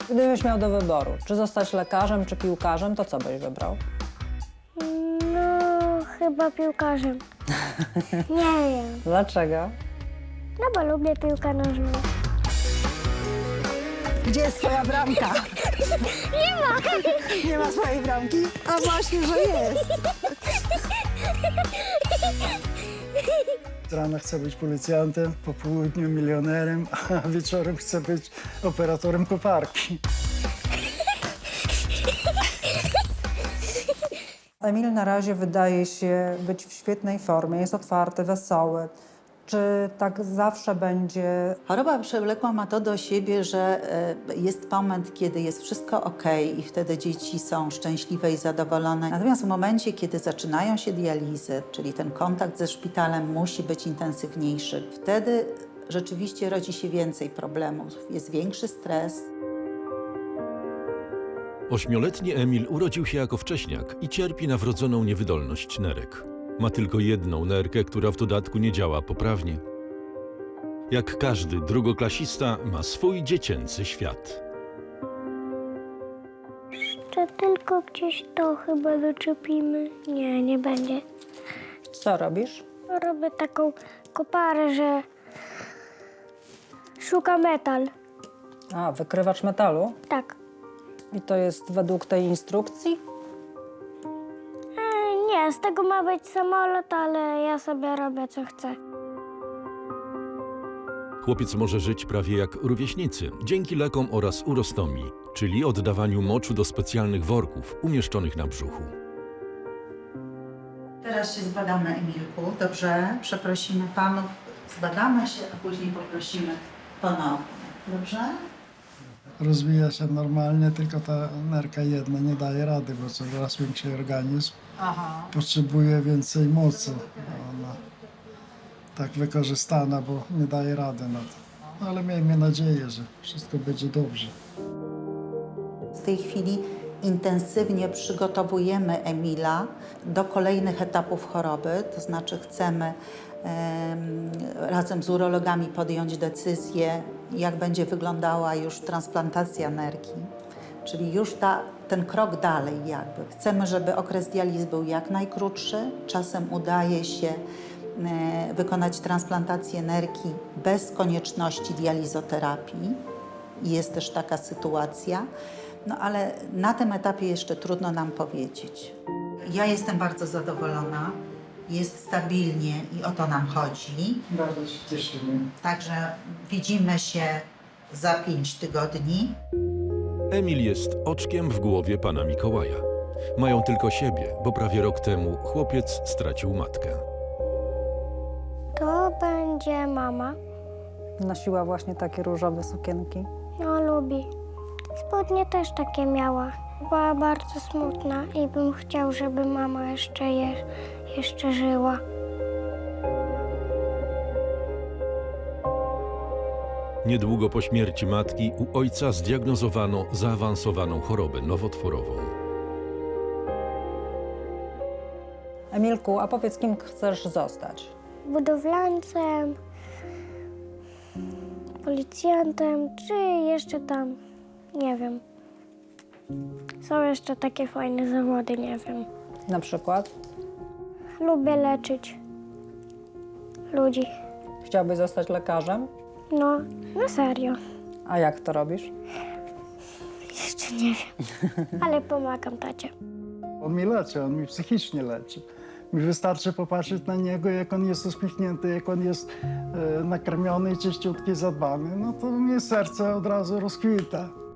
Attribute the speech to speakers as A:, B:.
A: Gdybyś miał do wyboru, czy zostać lekarzem, czy piłkarzem, to co byś wybrał?
B: No, chyba piłkarzem. Nie wiem,
A: Dlaczego?
B: no bo lubię piłkę nożną.
C: Gdzie jest twoja bramka?
B: Nie ma!
C: Nie ma swojej bramki? A właśnie, że jest.
D: Rano chcę być policjantem, po południu milionerem, a wieczorem chcę być operatorem koparki.
A: Emil na razie wydaje się być w świetnej formie, jest otwarty, wesoły. Czy tak zawsze będzie?
E: Choroba przewlekła ma to do siebie, że jest moment, kiedy jest wszystko ok i wtedy dzieci są szczęśliwe i zadowolone. Natomiast w momencie, kiedy zaczynają się dializy, czyli ten kontakt ze szpitalem musi być intensywniejszy, wtedy rzeczywiście rodzi się więcej problemów, jest większy stres.
F: 8-letni Emil urodził się jako wcześniak i cierpi na wrodzoną niewydolność nerek. Ma tylko jedną nerkę, która w dodatku nie działa poprawnie. Jak każdy drugoklasista ma swój dziecięcy świat.
B: Czy tylko gdzieś to chyba doczepimy? Nie, nie będzie.
A: Co robisz?
B: Robię taką koparę, że szuka metal.
A: A, wykrywacz metalu?
B: Tak.
A: I to jest według tej instrukcji?
B: Nie, z tego ma być samolot, ale ja sobie robię co chcę.
F: Chłopiec może żyć prawie jak rówieśnicy, dzięki lekom oraz urostomii, czyli oddawaniu moczu do specjalnych worków umieszczonych na brzuchu.
E: Teraz się zbadamy, Emilku, dobrze? Przeprosimy panów, zbadamy się, a później poprosimy ponownie, dobrze?
D: Rozwija się normalnie, tylko ta nerka jedna nie daje rady, bo coraz większy organizm potrzebuje więcej mocy. Ona tak wykorzystana, bo nie daje rady na to. Ale miejmy nadzieję, że wszystko będzie dobrze.
E: W tej chwili intensywnie przygotowujemy Emila do kolejnych etapów choroby, to znaczy chcemy razem z urologami podjąć decyzję, jak będzie wyglądała już transplantacja nerki, czyli już ten krok dalej jakby. Chcemy, żeby okres dializ był jak najkrótszy, czasem udaje się wykonać transplantację nerki bez konieczności dializoterapii. Jest też taka sytuacja, no ale na tym etapie jeszcze trudno nam powiedzieć. Ja jestem bardzo zadowolona, jest stabilnie i o to nam chodzi.
D: Bardzo się cieszymy.
E: Także widzimy się za 5 tygodni.
F: Emil jest oczkiem w głowie pana Mikołaja. Mają tylko siebie, bo prawie rok temu chłopiec stracił matkę.
B: To będzie mama.
A: Nosiła właśnie takie różowe sukienki.
B: No, lubi. Spodnie też takie miała. Była bardzo smutna i bym chciał, żeby mama jeszcze żyła.
F: Niedługo po śmierci matki u ojca zdiagnozowano zaawansowaną chorobę nowotworową.
A: Emilku, a powiedz, kim chcesz zostać?
B: Budowlańcem, policjantem, czy jeszcze tam, nie wiem. Są jeszcze takie fajne zawody, nie wiem.
A: Na przykład?
B: Lubię leczyć ludzi.
A: Chciałbyś zostać lekarzem?
B: No, na serio.
A: A jak to robisz?
B: Jeszcze nie wiem, ale pomagam tacie.
D: On mi leczy, on mi psychicznie leczy. Mi wystarczy popatrzeć na niego, jak on jest uśmiechnięty, jak on jest nakarmiony, czyściutki, zadbany, no to mnie serce od razu rozkwita.